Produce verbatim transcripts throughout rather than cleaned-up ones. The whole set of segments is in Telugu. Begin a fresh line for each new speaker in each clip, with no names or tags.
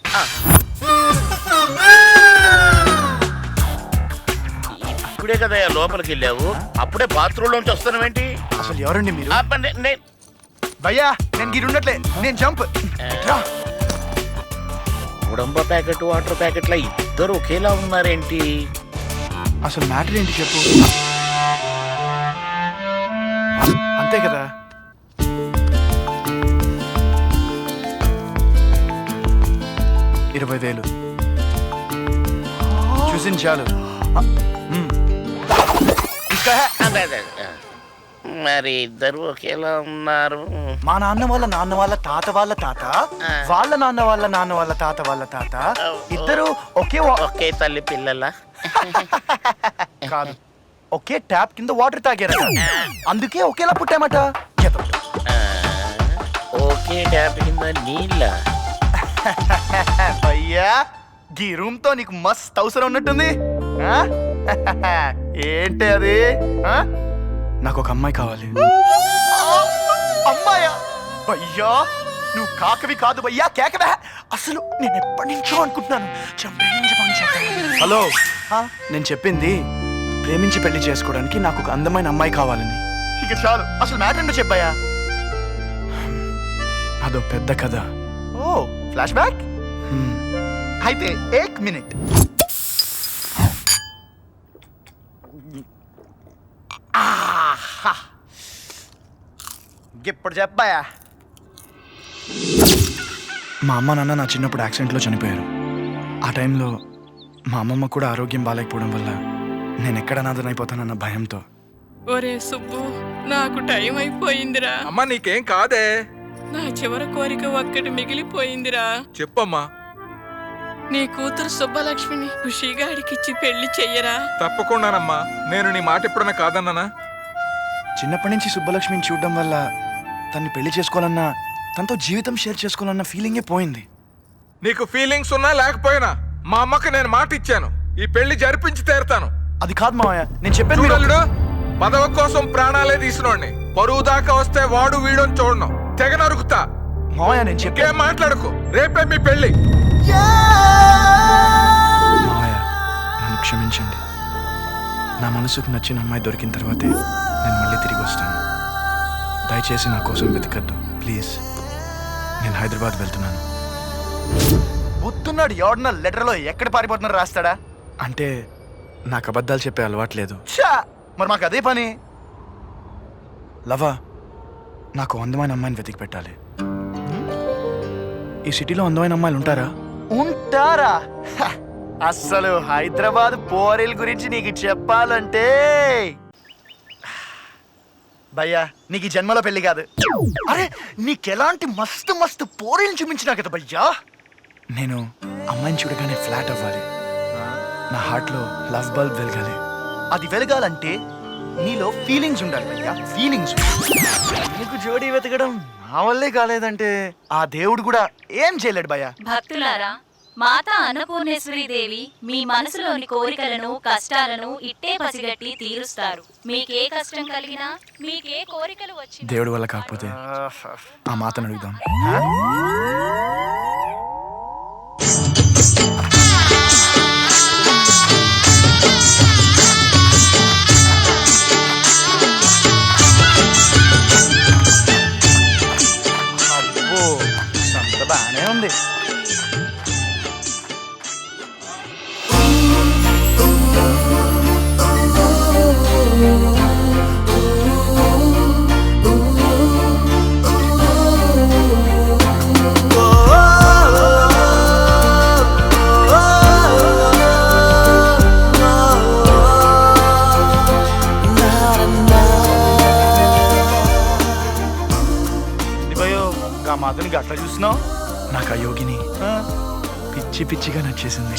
ఇప్పుడే కదా లోపలికి వెళ్ళావు, అప్పుడే బాత్రూమ్ లోంచి వస్తున్నావేంటి?
అసలు ఎవరండి మీరు?
నేను
భయ్యా నేను గిరి ఉండట్లే, నేను జంప్.
ఉడంబ ప్యాకెట్ వాటర్ ప్యాకెట్ల ఇద్దరు ఒకేలా ఉన్నారేంటి?
అసలు మ్యాటర్ ఏంటి చెప్పు. అంతే కదా. ఇరవై వేలు చూసింది చాలు.
అదే అదే మరి ఇద్దరు ఒకేలా ఉన్నారు.
మా నాన్న వాళ్ళ నాన్న వాళ్ళ తాత వాళ్ళ తాత వాళ్ళ నాన్న వాళ్ళ నాన్న వాళ్ళ తాత వాళ్ళ తాత ఇద్దరు ఒకే
ఒకే తల్లి పిల్లల
కాదు, ఒకే ట్యాప్ కింద వాటర్ తాగారట, అందుకే ఒకేలా పుట్టామట.
ఒకే ట్యాప్ కింద నీళ్ళ.
అయ్యా గీ రూమ్ తో నీకు మస్త్ అవసరం ఉన్నట్టుంది. ఏంటి అది? నాకు ఒక అమ్మాయి కావాలి. అమ్మాయా? భయ్యా నువ్వు కాకవి కాదు భయ్యా, కేకవే. అసలు నేను ఎప్పటి నుంచో అనుకుంటున్నాను. హలో, నేను చెప్పింది ప్రేమించి పెళ్లి చేసుకోవడానికి నాకు ఒక అందమైన అమ్మాయి కావాలని. ఇక చాలు, అసలు మ్యాటర్ ఏంటో చెప్పయ్యా. అదో పెద్ద కథ. ఓ ఫ్లాష్ బ్యాక్. అయితే ఏక్ మినిట్. ఇప్పుడు చెప్పాయా. మా అమ్మ నాన్న నా చిన్నప్పుడు యాక్సిడెంట్లో చనిపోయారు. ఆ టైంలో మా అమ్మమ్మ కూడా ఆరోగ్యం బాగాలేకపోవడం వల్ల నేను ఎక్కడ అనాథనైపోతానన్న భయంతో.
ఒరే సుబ్బు, నాకు టైం అయిపోయిందిరా.
అమ్మా నీకేం కాదే.
నా చివరి కోరిక ఒక్కటి మిగిలిపోయిందిరా.
చెప్పమ్మా.
నీ కూతురు సుబ్బలక్ష్మిని ఖుషిగాడికిచ్చి పెళ్లి చెయ్యరా.
తప్పకుండానమ్మా, నేను నీ మాట ఎప్పుడన్నా కాదన్నానా?
చిన్నప్పటి నుంచి సుబ్బలక్ష్మిని చూడడం వల్ల తన్ని పెళ్లి చేసుకోవాలన్నా, తనతో జీవితం షేర్ చేసుకోవాలన్న ఫీలింగే పోయింది.
నీకు ఫీలింగ్స్ ఉన్నా లేకపోయినా మా అమ్మకి నేను మాట ఇచ్చాను, ఈ పెళ్లి జరిపించి తీరుతాను.
అది కాదు మావయ్య, నేను చెప్పాను.
చూడలుడు, పదవి కోసం ప్రాణాలే తీసినోడిని, పరువు దాకా వస్తే వాడు వీడని చూడను, తెగ నరుకుతా.
మావయ్య నేను చెప్పే
ఏం మాట్లాడుకో, రేపే మీ పెళ్లి.
మావయ్య నన్ను క్షమించండి. నా మనసుకు నచ్చిన అమ్మాయి దొరికిన తర్వాతే నేను మళ్ళీ తిరిగి వస్తాను. దయచేసి నా కోసం వెతకద్దు ప్లీజ్. నేను హైదరాబాద్ వెళ్తున్నాను. బుద్ధున్నాడు ఎవడన్నా లెటర్లో ఎక్కడ పారిపోతున్నారు రాస్తాడా? అంటే నాకు అబద్ధాలు చెప్పే అలవాట్లేదు. మరి మాకు అదే పని. లవా, నాకు అందమైన అమ్మాయిని వెతికి పెట్టాలి. ఈ సిటీలో అందమైన అమ్మాయిలు ఉంటారా? ఉంటారా? అస్సలు హైదరాబాద్ పోరీల గురించి నీకు చెప్పాలంటే భయ్యా నీకు ఈ జన్మలో పెళ్లి కాదు. అరే నీకెలాంటి మస్తు మస్తు పోరీలు చూపించినా కదా భయ్యా. నేను అమ్మాయిని చూడగానే ఫ్లాట్ అవ్వాలి. నా హార్ట్లో లవ్ బల్బ్ వెలగాలి. అది వెలగాలంటే నీలో ఫీలింగ్స్ ఉండాలి భయ్యా, ఫీలింగ్స్. నీకు జోడీ వెతకడం నా వల్లే కాలేదంటే ఆ దేవుడు కూడా ఏం చేయలేడు భయ్యా.
భక్తులారా, మాతా అన్నపూర్ణేశ్వరి దేవి మీ మనసులోని కోరికలను కష్టాలను ఇట్టే పసిగట్టి తీరుస్తారు. మీకే కష్టం కలిగినా, మీకే కోరికలు వచ్చినా
దేవుడి వల్ల కాకపోతే ఆ మాతను అడుగుదాం. అబ్బో సంత బాగానే ఉంది. మాధుని అట్లా చూస్తున్నావు? నాకు ఆ యోగిని పిచ్చి పిచ్చిగా నచ్చేసింది.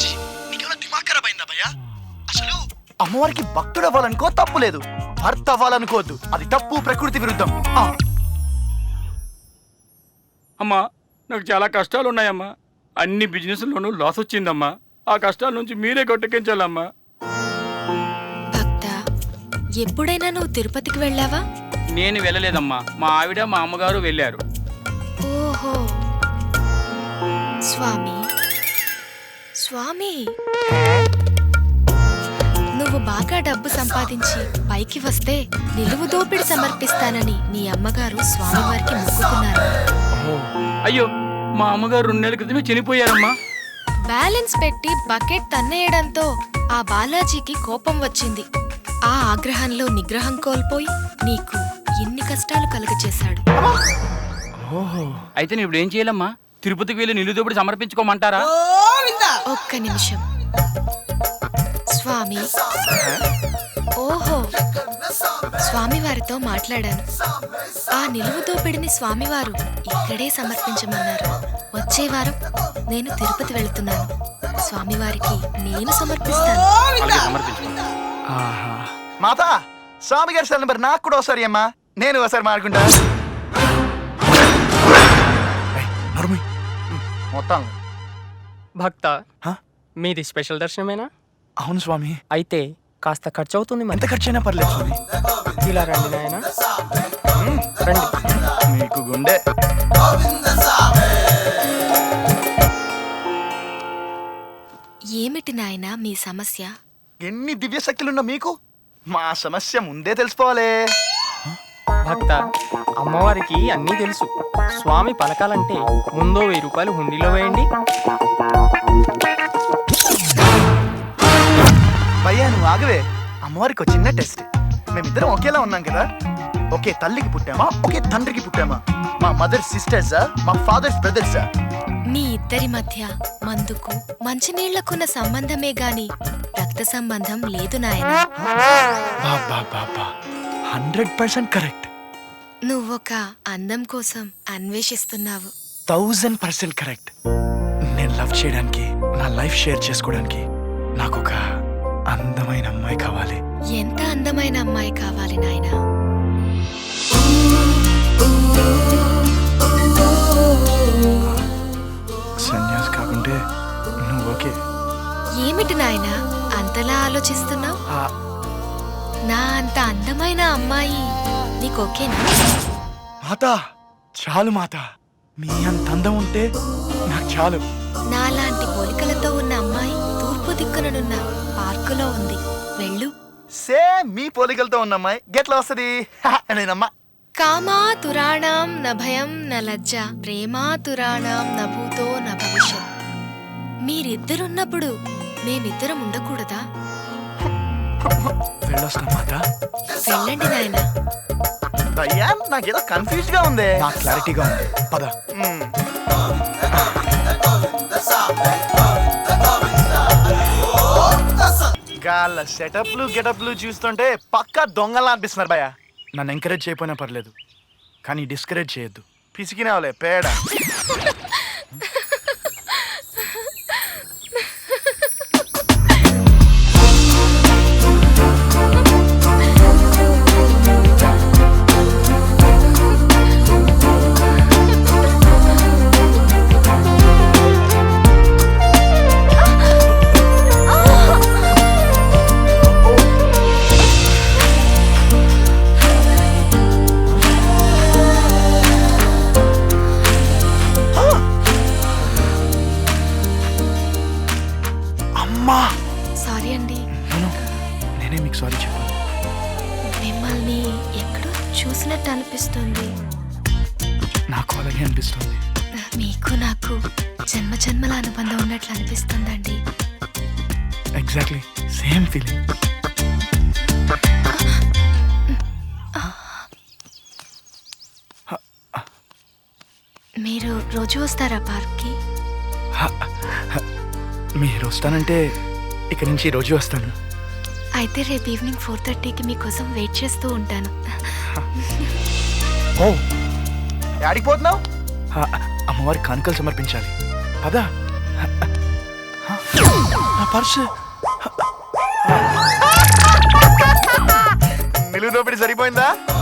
అసలు అమ్మవారికి భక్తుడు అవ్వాలనుకో తప్పు లేదు, భర్త అవ్వాలనుకోవద్దు, అది తప్పు, ప్రకృతి విరుద్ధం.
అమ్మా నాకు చాలా కష్టాలు ఉన్నాయమ్మా. అన్ని బిజినెస్లోనూ లాస్ వచ్చిందమ్మా. ఆ కష్టాల నుంచి మీరే కొట్టకించాలమ్మా.
భక్త, ఎప్పుడైనా నువ్వు తిరుపతికి వెళ్ళావా?
నేను వెళ్ళలేదమ్మా, మా ఆవిడ మా అమ్మగారు వెళ్ళారు.
ఓహో, స్వామి స్వామి నువ్వు బాగా డబ్బు సంపాదించి పైకి వస్తే నిలువు దోపిడి సమర్పిస్తానని నీ అమ్మగారు స్వామివారికి మొక్కుకున్నారు.
అయ్యో మా అమ్మగారు రెండు నెలల క్రితమే చనిపోయారమ్మా.
బ్యాలెన్స్ పెట్టి బకెట్ తన్నేయడంతో ఆ బాలాజీకి కోపం వచ్చింది. ఆ ఆగ్రహంలో నిగ్రహం కోల్పోయి నీకు ఎన్ని కష్టాలు కలుగచేశాడు.
ఓహో,
అయితే నేను ఇప్పుడు ఏం చేయాలమ్మా? తిరుపతికి వెళ్ళి నిలుదోపుడు సమర్పించుకోమంటారా?
ఒక్క నిమిషం స్వామి. ఓహో, స్వామివారితో మాట్లాడాను. ఆ నిలువు దోపిడిని స్వామివారు ఇక్కడే సమర్పించమన్నారు. వచ్చే వారం నేను తిరుపతి వెళ్తున్నాను. స్వామివారికి నేను సమర్పిస్తాను.
అలాగే సమర్పించుకో.
ఆహా. మాత, స్వామి గారి సెల్ నెంబర్ నాకు కూడా ఒకసారి అమ్మా, నేను ఒకసారి మాడుకుంటా. ఏయ్, నోర్మి. మొత్తం
భక్త
హ?
మీది స్పెషల్ దర్శనమేనా?
అవును స్వామి.
అయితే కాస్త ఖర్చు అవుతుంది మరి.
ఎంత ఖర్చు అయినా పర్లేదు స్వామి.
ఇలా రండి నాయన, రండి.
మీకు గుండె.
ఏమిటి నాయనా మీ సమస్య?
ఎన్ని దివ్య శక్తులున్నా మీకు మా సమస్య ముందే తెలిసిపోవాలే.
భక్త అమ్మవారికి అన్నీ తెలుసు. స్వామి పలకాలంటే ముందో వెయ్యి రూపాయలు హుండీలో వేయండి.
భయ్యా నువ్వు ఆగవే. అమ్మవారికి ఒక చిన్న టెస్ట్. మేమిద్దరం ఒకేలా ఉన్నాం కదా, ఒకే తల్లికి పుట్టామా, ఒకే తండ్రికి పుట్టామా? మా మదర్ సిస్టర్సా, మా ఫాదర్స్ బ్రదర్సా?
మీ ఇద్దరి మధ్య మందుకు మంచినీళ్లకున్న సంబంధమే గాని రక్త సంబంధం లేదు నాయనా.
బాబా బాబా హండ్రెడ్ పర్సెంట్ కరెక్ట్.
నువ్వొక అందం కోసం అన్వేషిస్తున్నావు.
Thousand percent correct. నేను లవ్ చేయడానికి, నా లైఫ్ షేర్ చేసుకోవడానికి నాకు ఒక అందమైన అమ్మాయి కావాలి.
ఎంత అందమైన అమ్మాయి కావాలి నాయనా?
సన్యాసి కాకుంటే నువ్వు ఓకే?
ఏమిటి నాయనా అంతలా ఆలోచిస్తున్నావు?
ఆ,
నా అంత అందమైన అమ్మాయి నీకోకేనా?
మాత చాలు మాత, మీ అంత అందం ఉంటే నాకు చాలు.
నాలాంటి పోలికలతో ఉన్న అమ్మాయి తూర్పు దిక్కుననున్న పార్కులో ఉంది. వెళ్ళు.
సేమ్ మీ పోలికలతో ఉన్న అమ్మాయి గెట్లా వస్తుంది? నేనమ్మా.
కామా తురాణం న భయం న లజ్జ, ప్రేమా తురాణం న భూతో న భవిష్యత్. మీరిద్దరున్నప్పుడు మేమిద్దరం ఉండకూడదా?
వెళ్ళొస్తా మాత.
వెళ్ళండి నాయనా.
అయ్యా నాకేదో కన్ఫ్యూజ్ గా ఉంది. నాకు క్లారిటీగా ఉంది. పద. గాళ్ళ సెటప్లు గెటప్లు చూస్తుంటే పక్కా దొంగలా అనిపిస్తున్నారు భయ. నన్ను ఎంకరేజ్ చేయకపోయినా పర్లేదు, కానీ డిస్కరేజ్ చేయొద్దు. పిసికినావులే పేడ.
సారీ అండి.
నేనే మీకు సారీ చెప్పాను.
మిమ్మల్ని ఎక్కడో చూసినట్టు అనిపిస్తుంది.
నాకు అలాగే అనిపిస్తుంది.
మీకు నాకు జన్మ జన్మల అనుబంధం ఉన్నట్లు అనిపిస్తుందండి.
Exactly same feeling.
మీరు రోజు వస్తారా పార్క్కి?
మీరు వస్తానంటే ఇక్కడి నుంచి రోజు వస్తాను.
అయితే రేపు ఈవినింగ్ ఫోర్ థర్టీకి మీకోసం వెయిట్ చేస్తూ ఉంటాను.
ఓ ఆడిపోతున్నావు? అమ్మవారి కానుకలు సమర్పించాలి. పదా. నా పర్సు. నిలువు దోపిడి సరిపోయిందా?